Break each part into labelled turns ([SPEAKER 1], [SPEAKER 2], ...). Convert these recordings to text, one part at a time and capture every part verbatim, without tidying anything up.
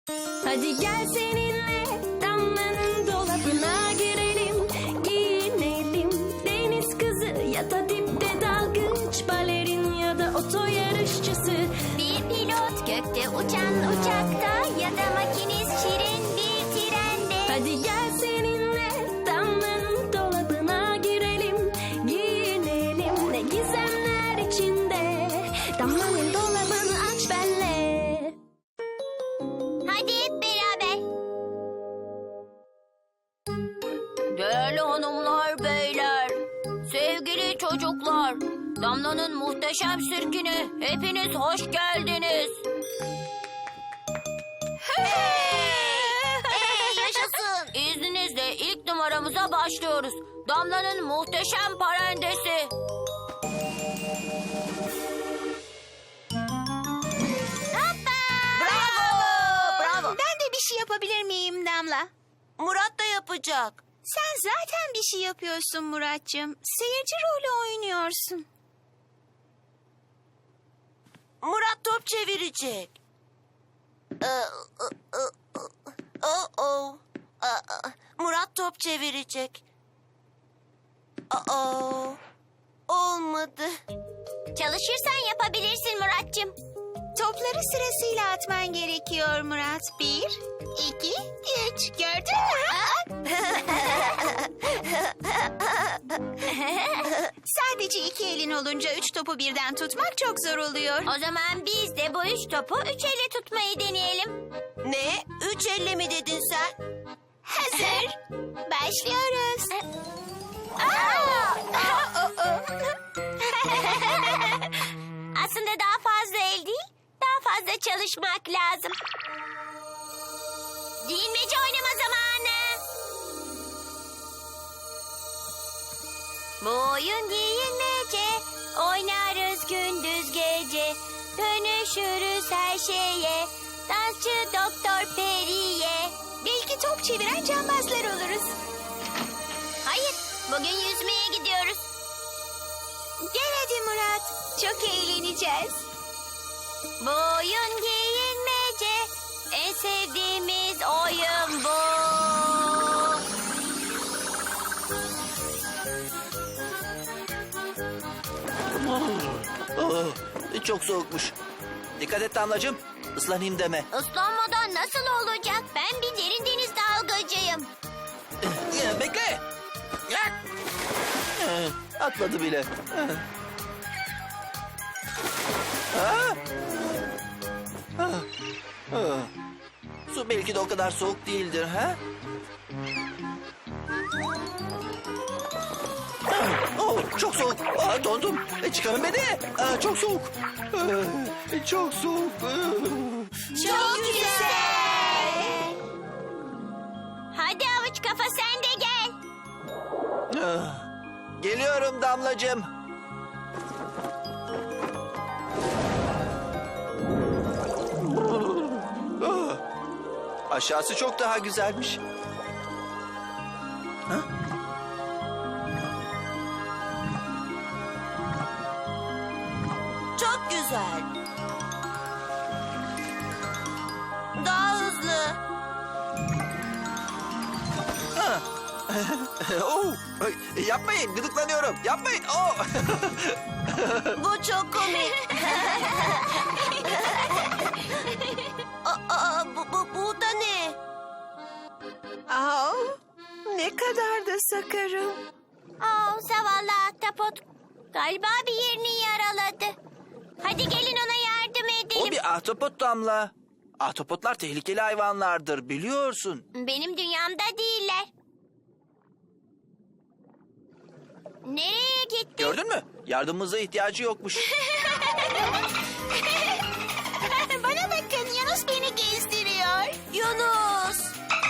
[SPEAKER 1] Hadi gel seninle Damla'nın dolabına girelim, giyinelim. Deniz kızı ya da dipte dalgıç, balerin ya da oto yarışçısı.
[SPEAKER 2] Bir pilot gökte uçan uçakta ya da makinist şirin bir trende.
[SPEAKER 1] Hadi gel seninle Damla'nın dolabına girelim, giyinelim. Ne gizemler içinde, Damla'nın dolabını aç benle.
[SPEAKER 2] Hadi hep beraber.
[SPEAKER 3] Değerli hanımlar, beyler, sevgili çocuklar, Damla'nın muhteşem sirkine hepiniz hoş geldiniz.
[SPEAKER 2] Hey, yaşasın.
[SPEAKER 3] İzninizle ilk numaramıza başlıyoruz. Damla'nın muhteşem parendesi.
[SPEAKER 2] Bravo.
[SPEAKER 3] Bravo.
[SPEAKER 2] Ben de bir şey yapabilir miyim Damla?
[SPEAKER 3] Murat da yapacak.
[SPEAKER 2] Sen zaten bir şey yapıyorsun Muratcığım. Seyirci rolü oynuyorsun.
[SPEAKER 3] Murat top çevirecek. Oh oh. Murat top çevirecek. Oh. Olmadı.
[SPEAKER 2] Çalışırsan yapabilirsin Muratcığım. Topları sırasıyla atman gerekiyor Murat. Bir, iki, üç. Gördün mü? Sadece iki elin olunca üç topu birden tutmak çok zor oluyor.
[SPEAKER 3] O zaman biz de bu üç topu üç elle tutmayı deneyelim. Ne? Üç elle mi dedin sen?
[SPEAKER 2] Hazır. Başlıyoruz. Aslında daha fazla el değil, daha fazla çalışmak lazım. Giyinmece oynama zamanı. Bu oyun giyinmece, oynarız gündüz gece. Dönüşürüz her şeye, dansçı Doktor Peri'ye. Belki top çeviren cambazlar oluruz. Hayır, bugün yüzmeye gidiyoruz. Gel hadi Murat, çok eğleneceğiz. Bu oyun giyinmece, en sevdiğimiz oyun bu.
[SPEAKER 4] Oh, çok soğukmuş. Dikkat et Damlacığım. Islanayım deme.
[SPEAKER 2] Islanmadan nasıl olacak? Ben bir derin deniz dalgıcıyım.
[SPEAKER 4] Ee, Bekle. Ee, Atladı bile. Ah. Ah. Ah. Su belki de o kadar soğuk değildir, ha? Oh, çok soğuk. Aa, dondum. E, çıkarın beni. Aa, çok soğuk. Aa, çok soğuk. Aa.
[SPEAKER 2] Çok güzel. Hadi avuç kafa sen de gel.
[SPEAKER 4] Ah. Geliyorum Damlacığım. Ah. Aşağısı çok daha güzelmiş. Ha?
[SPEAKER 3] Çok güzel. Daha hızlı.
[SPEAKER 4] Ha. Oh, ay, yapmayın, gıdıklanıyorum. Yapmayın. Oh.
[SPEAKER 3] Bu çok komik. aa, aa, bu, bu, bu da ne?
[SPEAKER 5] Aa, ne kadar da sakarım.
[SPEAKER 2] Oh, zavallı ahtapot. Galiba bir yerini yaraladı. Hadi gelin ona yardım edelim.
[SPEAKER 4] O bir ahtapot Damla. Ahtapotlar tehlikeli hayvanlardır, biliyorsun.
[SPEAKER 2] Benim dünyamda değiller. Nereye gitti?
[SPEAKER 4] Gördün mü? Yardımımıza ihtiyacı yokmuş.
[SPEAKER 2] Bana bakın, Yunus beni gezdiriyor.
[SPEAKER 3] Yunus.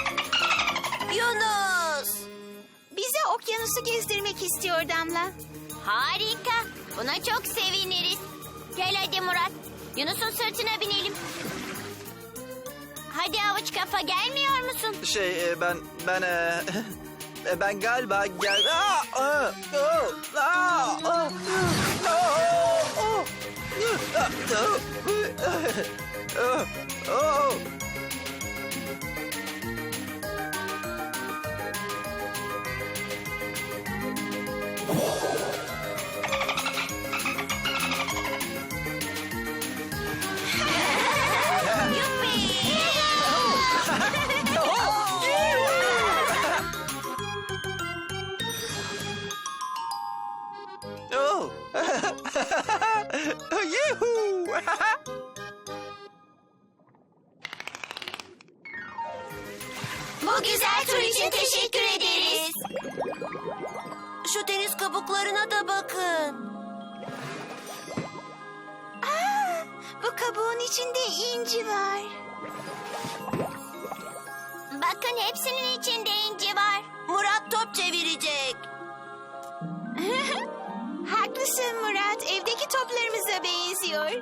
[SPEAKER 3] Yunus.
[SPEAKER 2] Bize okyanusu gezdirmek istiyor Damla. Harika. Buna çok seviniriz. Gel hadi Murat. Yunus'un sırtına binelim. Hadi avuç kafa, gelmiyor musun?
[SPEAKER 4] Şey, e, ben, ben, e, e, ben galiba gel... Aa, aa, oh, aa, aa, aa, oh, oh, oh, oh.
[SPEAKER 2] Bu güzel tur için teşekkür ederiz.
[SPEAKER 3] Şu deniz kabuklarına da bakın.
[SPEAKER 2] Aa, bu kabuğun içinde inci var. Bakın hepsinin içinde inci var.
[SPEAKER 3] Murat top çevirecek.
[SPEAKER 2] Haklısın Murat. Evdeki toplarımıza benziyor.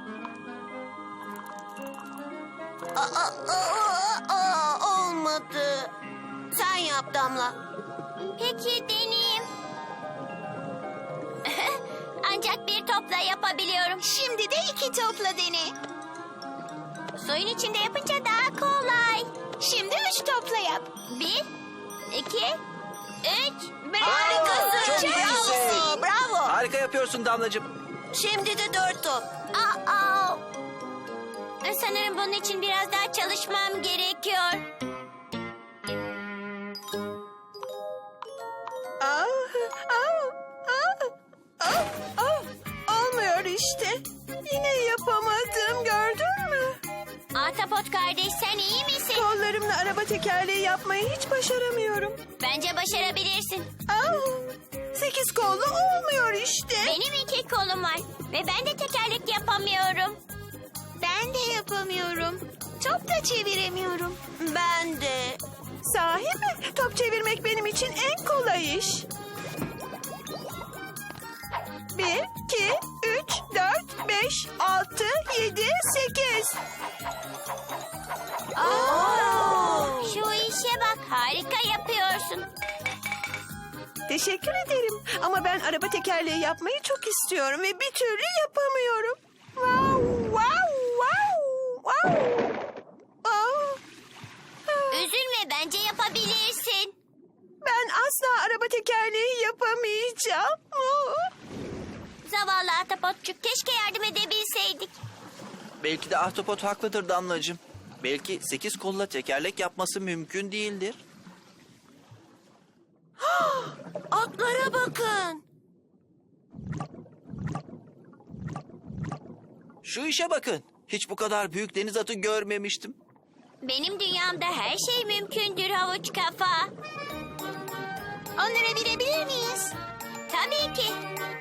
[SPEAKER 3] Aa, aa, aa, olmadı. Sen yap Damla.
[SPEAKER 2] Peki deneyeyim. Ancak bir topla yapabiliyorum. Şimdi de iki topla dene. Suyun içinde yapınca daha kolay. Şimdi üç topla yap. Bir, iki, üç.
[SPEAKER 4] Harikasın. Çok
[SPEAKER 3] Bravo,
[SPEAKER 4] iyisin.
[SPEAKER 3] bravo.
[SPEAKER 4] Harika yapıyorsun Damlacığım.
[SPEAKER 3] Şimdi de dört top.
[SPEAKER 2] Aa, sanırım bunun için biraz daha çalışmam gerekiyor.
[SPEAKER 5] Ah, ah, ah, ah, ah. Olmuyor işte. Yine yapamadım, gördün mü?
[SPEAKER 2] Ahtapot kardeş, sen iyi misin?
[SPEAKER 5] Kollarımla araba tekerleği yapmayı hiç başaramıyorum.
[SPEAKER 2] Bence başarabilirsin.
[SPEAKER 5] Ah, sekiz kollu olmuyor işte.
[SPEAKER 2] Benim iki kolum var ve ben de tekerlek yapamıyorum. Ben de yapamıyorum. Top da çeviremiyorum.
[SPEAKER 3] Ben de.
[SPEAKER 5] Sahi mi? Top çevirmek benim için en kolay iş. Bir, iki, üç, dört, beş, altı, yedi, sekiz.
[SPEAKER 2] Aa, şu işe bak, harika yapıyorsun.
[SPEAKER 5] Teşekkür ederim. Ama ben araba tekerleği yapmayı çok istiyorum ve bir türlü yapamıyorum. Wow, wow, wow, wow. Oh. Ah,
[SPEAKER 2] Üzülme, bence yapabilirsin.
[SPEAKER 5] ben asla araba tekerleği yapamayacağım. Oh.
[SPEAKER 2] Zavallı Ahtapotçuk, keşke yardım edebilseydik.
[SPEAKER 4] Belki de ahtapot haklıdır Damlacığım. Belki sekiz kolla tekerlek yapması mümkün değildir.
[SPEAKER 3] Atlara bakın.
[SPEAKER 4] Şu işe bakın. Hiç bu kadar büyük deniz atı görmemiştim.
[SPEAKER 2] Benim dünyamda her şey mümkündür havuç kafa. Onlara binebilir miyiz? Tabii ki.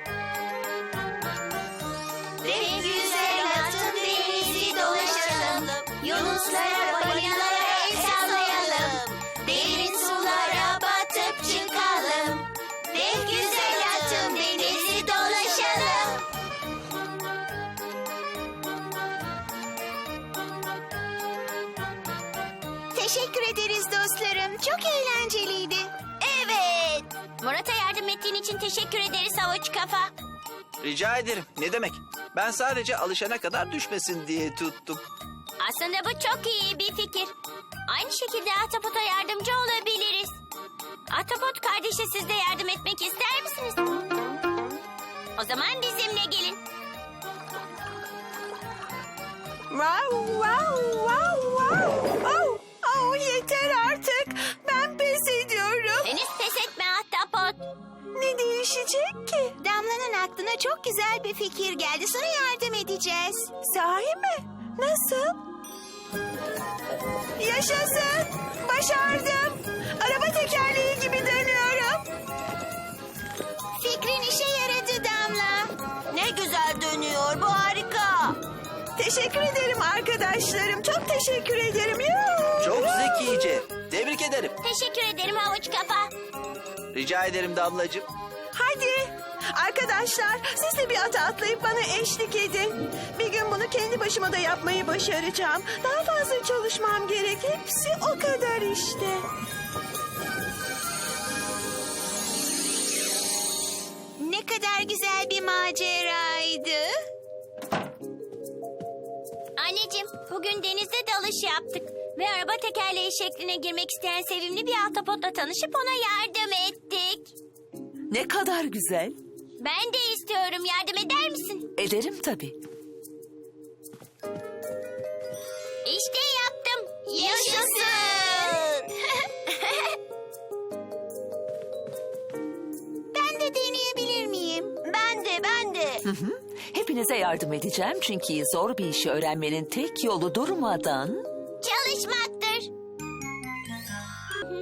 [SPEAKER 3] Ve güzel atın denizi dolaşalım. Yunuslara, balinalara el sallayalım. Derin sulara batıp çıkalım. Ve güzel atın denizi dolaşalım.
[SPEAKER 2] Teşekkür ederiz dostlarım. Çok eğlenceliydi.
[SPEAKER 3] Evet.
[SPEAKER 2] Murat'a yardım ettiğin için teşekkür ederiz havuç kafa.
[SPEAKER 4] Rica ederim. Ne demek? Ben sadece alışana kadar düşmesin diye tuttum.
[SPEAKER 2] Aslında bu çok iyi bir fikir. Aynı şekilde Ahtapot'a yardımcı olabiliriz. Ahtapot kardeşe siz de yardım etmek ister misiniz? O zaman bizimle gelin.
[SPEAKER 5] Wow, wow, wow, wow. Oh, oh, yeter artık. Ben pes ediyorum.
[SPEAKER 2] Henüz pes etme Ahtapot.
[SPEAKER 5] Ne değişecek ki?
[SPEAKER 2] Damla'nın aklına çok güzel bir fikir geldi. Sana yardım edeceğiz.
[SPEAKER 5] Sahi mi? Nasıl? Yaşasın. Başardım. Araba tekerleği gibi dönüyorum.
[SPEAKER 2] Fikrin işe yaradı Damla.
[SPEAKER 3] Ne güzel dönüyor. Bu harika.
[SPEAKER 5] Teşekkür ederim arkadaşlarım. Çok teşekkür ederim. Yuh.
[SPEAKER 4] Çok zekice. Tebrik ederim.
[SPEAKER 2] Teşekkür ederim havuç kafa.
[SPEAKER 4] Rica ederim Damlacığım.
[SPEAKER 5] Hadi. Arkadaşlar siz de bir ata atlayıp bana eşlik edin. Bir gün bunu kendi başıma da yapmayı başaracağım. Daha fazla çalışmam gerek. Hepsi o kadar işte.
[SPEAKER 2] Ne kadar güzel bir maceraydı. Anneciğim, bugün denizde dalış yaptık. Ve araba tekerleği şekline girmek isteyen sevimli bir ahtapotla tanışıp ona yardım ettik.
[SPEAKER 6] Ne kadar güzel.
[SPEAKER 2] Ben de istiyorum. Yardım eder misin?
[SPEAKER 6] Ederim tabii.
[SPEAKER 2] İşte yaptım.
[SPEAKER 3] Yaşasın.
[SPEAKER 2] Ben de deneyebilir miyim?
[SPEAKER 3] Ben de, ben de.
[SPEAKER 6] Hepinize yardım edeceğim çünkü zor bir işi öğrenmenin tek yolu durmadan...
[SPEAKER 2] Çalışmaktır.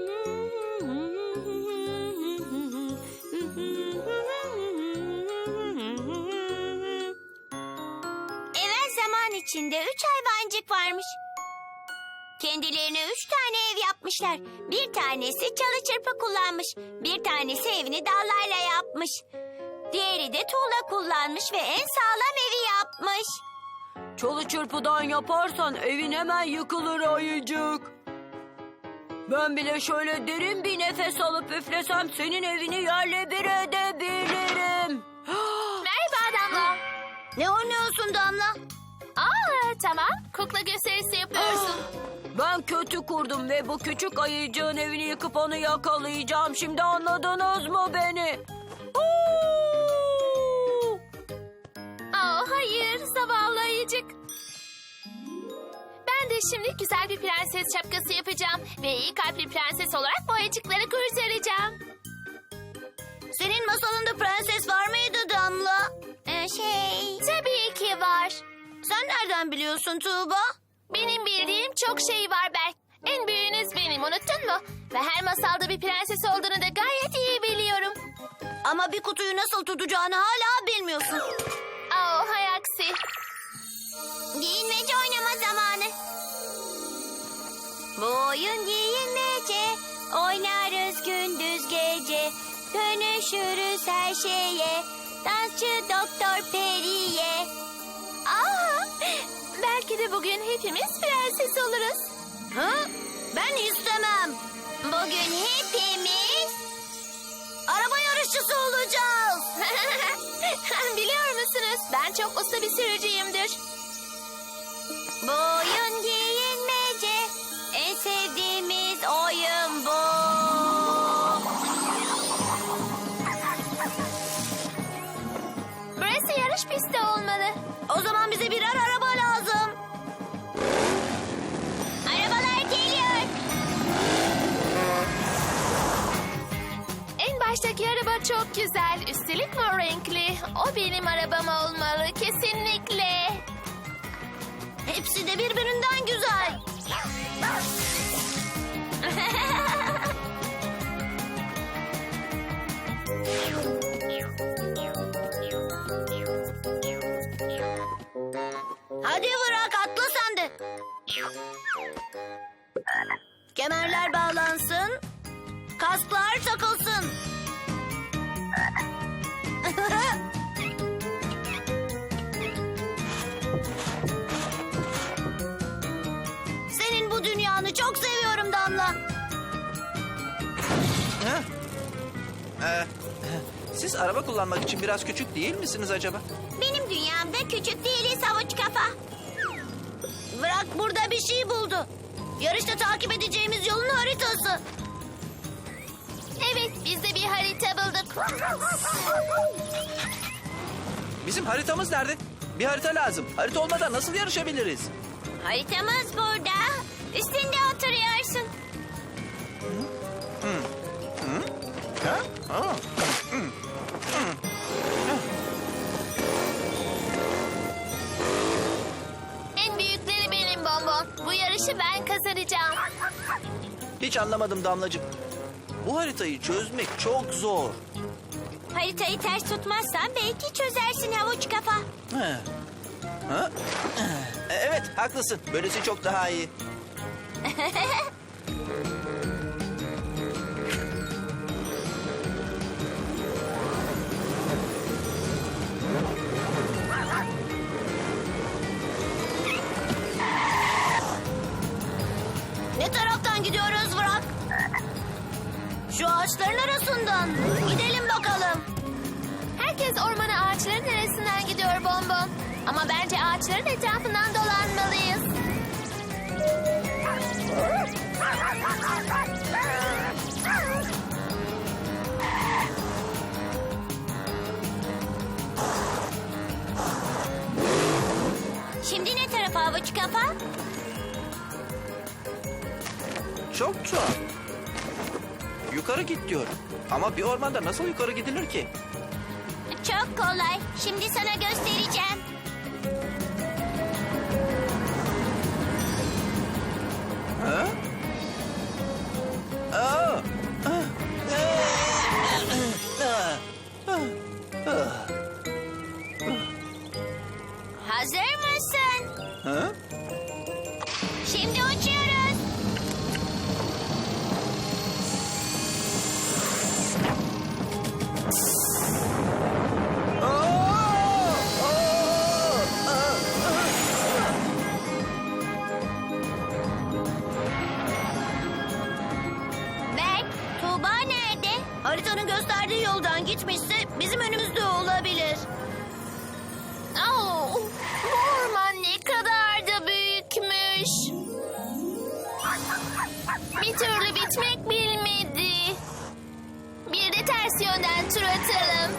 [SPEAKER 2] kendilerine üç tane ev yapmışlar. Bir tanesi çalı çırpı kullanmış. Bir tanesi evini dallarla yapmış. Diğeri de tuğla kullanmış ve en sağlam evi yapmış.
[SPEAKER 3] Çalı çırpıdan yaparsan evin hemen yıkılır ayıcık. Ben bile şöyle derin bir nefes alıp üflesem senin evini yerle bir edebilirim.
[SPEAKER 7] Merhaba Damla.
[SPEAKER 2] Ne oynuyorsun Damla?
[SPEAKER 7] Aa tamam. Kukla gösterisi yapıyorsun.
[SPEAKER 3] Ben kötü kurdum ve bu küçük ayıcığın evini yıkıp onu yakalayacağım. Şimdi anladınız mı beni? Huu!
[SPEAKER 7] Aa hayır zavallı ayıcık. Ben de şimdi güzel bir prenses şapkası yapacağım. Ve iyi kalpli prenses olarak bu ayıcıkları kurtaracağım.
[SPEAKER 2] Senin masalında prenses var mıydı Damla? Ee, şey...
[SPEAKER 7] Tabii ki var.
[SPEAKER 2] Sen nereden biliyorsun Tuğba?
[SPEAKER 7] Benim bildiğim çok şey var Berk. En büyüğünüz benim, unuttun mu? Ve her masalda bir prenses olduğunu da gayet iyi biliyorum.
[SPEAKER 2] Ama bir kutuyu nasıl tutacağını hala bilmiyorsun.
[SPEAKER 7] Aa hay aksi.
[SPEAKER 2] Giyinmece oynama zamanı. Bu oyun giyinmece. Oynarız gündüz gece. Dönüşürüz her şeye. Dansçı Doktor Peri'ye.
[SPEAKER 7] Aa, belki de bugün hepimiz prenses oluruz.
[SPEAKER 2] Ha? Ben istemem. Bugün hepimiz araba yarışçısı olacağız.
[SPEAKER 7] Biliyor musunuz? Ben çok usta bir sürücüyümdür.
[SPEAKER 2] Bu oyun giyinmece. En sevdiğimiz oyun bu.
[SPEAKER 7] Burası yarış pisti olmalı.
[SPEAKER 2] O zaman bize birer araba lazım. Arabalar geliyor.
[SPEAKER 7] En baştaki araba çok güzel. Üstelik mor renkli. O benim arabam olmalı kesinlikle.
[SPEAKER 2] Hepsi de birbirinden güzel. Hadi bırak atla sen de. Kemerler bağlansın. Kasklar takılsın. Senin bu dünyanı çok seviyorum Damla.
[SPEAKER 4] Ha? Ee, siz araba kullanmak için biraz küçük değil misiniz acaba?
[SPEAKER 2] Benim dünyamda küçük değiliz havuç kafa. Bırak burada bir şey buldu. Yarışta takip edeceğimiz yolun haritası.
[SPEAKER 7] Evet biz de bir harita bulduk.
[SPEAKER 4] Bizim haritamız nerede? Bir harita lazım. Harita olmadan nasıl yarışabiliriz?
[SPEAKER 2] Haritamız burada. Üstünde oturuyorsun.
[SPEAKER 4] Ha? Aa.
[SPEAKER 7] En büyükleri benim bonbon. Bu yarışı ben kazanacağım.
[SPEAKER 4] Hiç anlamadım Damlacığım. Bu haritayı çözmek çok zor.
[SPEAKER 2] Haritayı ters tutmazsan belki çözersin havuç kafa.
[SPEAKER 4] Ha? Ha? E, Evet, haklısın. Böylesi çok daha iyi.
[SPEAKER 2] Ne taraftan gidiyoruz Burak? Şu ağaçların arasından. Gidelim bakalım.
[SPEAKER 7] Herkes ormana ağaçların arasından gidiyor bonbon. Ama bence ağaçların etrafından dolanmalıyız.
[SPEAKER 2] Şimdi ne tarafa havuç kafa?
[SPEAKER 4] Çok tuhaf. Yukarı git diyor. Ama bir ormanda nasıl yukarı gidilir ki?
[SPEAKER 2] Çok kolay. Şimdi sana göstereceğim.
[SPEAKER 4] Ha? Aa! Ah! Ah! Ah!
[SPEAKER 2] Hazır mısın?
[SPEAKER 4] Ha?
[SPEAKER 2] Şimdi uçuyoruz. Haritanın gösterdiği yoldan gitmişse bizim önümüzde olabilir.
[SPEAKER 7] Oo, bu orman ne kadar da büyükmüş. Bir türlü bitmek bilmedi. Bir de ters yönden tur atalım.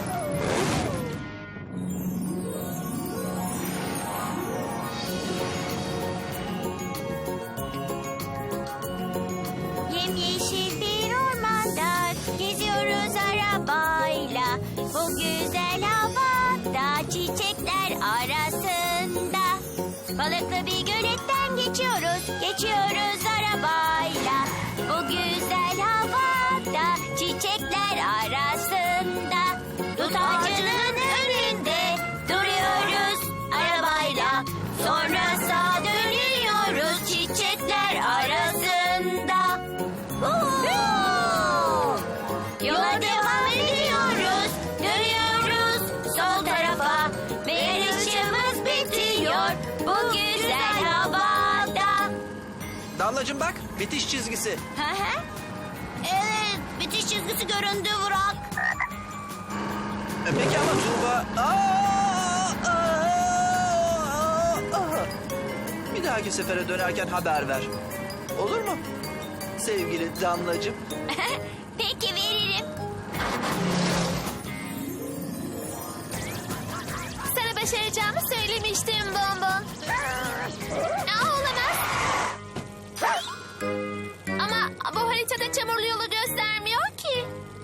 [SPEAKER 2] Yemyeşil bir ormanda geziyoruz arabayla. Bu güzel havada çiçekler arasında. Balıklı bir göletten geçiyoruz, geçiyoruz arabayla. Bu güzel havada çiçekler arasında. Dut ağacının önünde duruyoruz arabayla. Sonra sağa dönüyoruz çiçekler arasında. Woo! Yola devam ediyoruz, dönüyoruz sol tarafa ve yarışımız bitiyor bu güzel havada.
[SPEAKER 4] Damlacığım bak, bitiş çizgisi.
[SPEAKER 2] Hı hı. Evet, bitiş çizgisi göründü Burak.
[SPEAKER 4] E, Peki ama Tuğba... Aa, aa, aa. Bir dahaki sefere dönerken haber ver. Olur mu? Sevgili Damlacığım.
[SPEAKER 2] Peki veririm.
[SPEAKER 7] Sana başaracağımı söylemiştim Bonbon. Aa, olamaz. Ama bu haritada çamurlu yolu göstermiyor ki.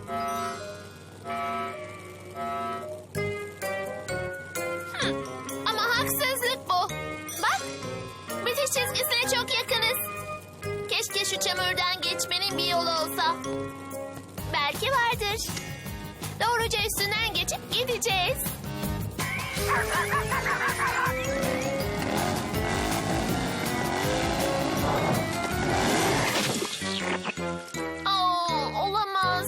[SPEAKER 7] Hmm, Ama haksızlık bu. Bak, bitiş çizgisine çok yakınız. Keşke şu çamurdan geçmenin bir yolu olsa. Belki vardır. Doğruca üstünden geçip gideceğiz. Aa, olamaz.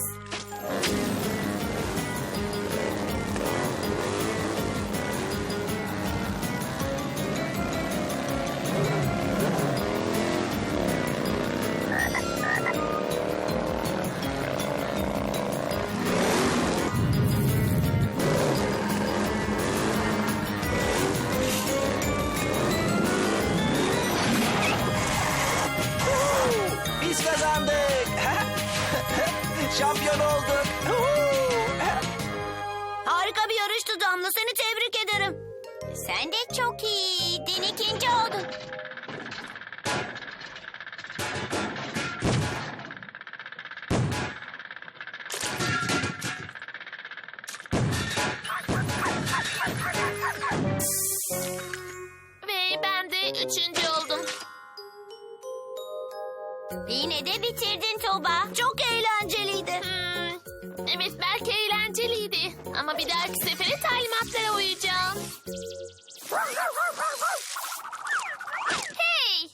[SPEAKER 4] Biz kazandık. Şampiyon olduk.
[SPEAKER 2] Harika bir yarıştı Damla, seni tebrik ederim. Sen de çok iyiydin, ikinci oldun.
[SPEAKER 7] Ve ben de üçüncü oldum.
[SPEAKER 2] Yine de bitirdin Tuğba. Çok eğlenceliydi.
[SPEAKER 7] Hmm, evet belki eğlenceliydi. Ama bir dahaki sefere talimatlara uyacağım. Hey!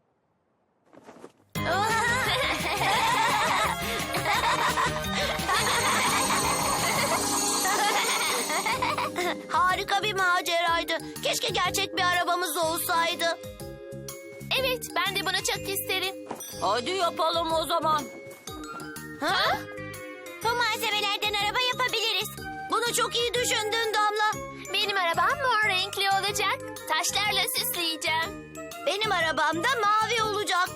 [SPEAKER 2] Harika bir maceraydı. Keşke gerçek bir arabamız olsaydı.
[SPEAKER 7] Evet ben de bunu çok isterim.
[SPEAKER 3] Hadi yapalım o zaman.
[SPEAKER 2] Ha? Bu malzemelerden araba yapabiliriz. Bunu çok iyi düşündün Damla.
[SPEAKER 7] Benim arabam mor renkli olacak. Taşlarla süsleyeceğim.
[SPEAKER 2] Benim arabam da mavi olacak.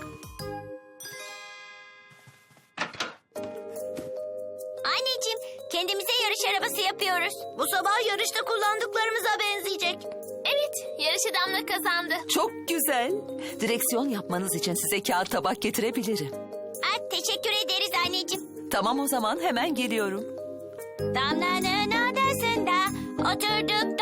[SPEAKER 2] Anneciğim, kendimize yarış arabası yapıyoruz. Bu sabah yarışta kullandıklarımıza benzeyecek.
[SPEAKER 7] Evet yarışı Damla kazandı.
[SPEAKER 6] Çok güzel. Direksiyon yapmanız için size kağıt tabak getirebilirim.
[SPEAKER 2] Aa, teşekkür ederiz anneciğim.
[SPEAKER 6] Tamam o zaman hemen geliyorum.
[SPEAKER 2] Damla'nın odasında oturduk